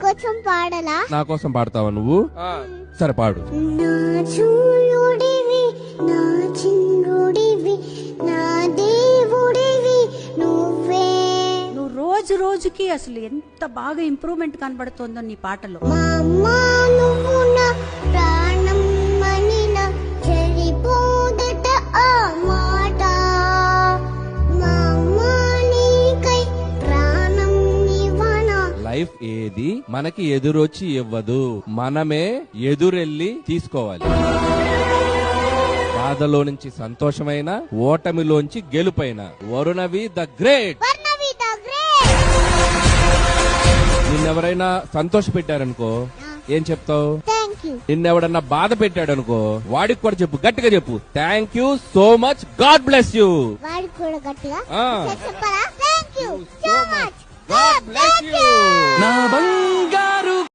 కోసం పాడలా? నా కోసం పాడతావా నువ్వు? సరే పాడు. నా చూయుడివి, నా చిన్నుడివి, నా దేవుడివి నువ్వే. నువ్వు రోజు రోజుకి అసలు ఎంత బాగా ఇంప్రూవ్మెంట్ కనబడుతుందో నీ పాటలో. మా అమ్మ నువ్వు నా ప్రాణం మనిన చెరిపోదట ఆ మాట. మా అమ్మ నీకై ప్రాణం ఇవ్వనా. లైఫ్ ఏది మనకి ఎదురొచ్చి ఇవ్వదు, మనమే ఎదురెళ్ళి తీసుకోవాలి. బాధలో నుంచి సంతోషమైన, ఓటమిలోంచి గెలుపైన. Varunavi the great. Varnavi the great. నిన్నెవరైనా సంతోష పెట్టారనుకో ఏం చెప్తావు? Thank you. నిన్నెవడన్నా బాధ పెట్టాడనుకో వాడికి కూడా చెప్పు, గట్టిగా చెప్పు, thank you so much, god bless you. వాడికి కూడా గట్టిగా ఆ. చెప్పరా? Thank you so much, God bless you. నా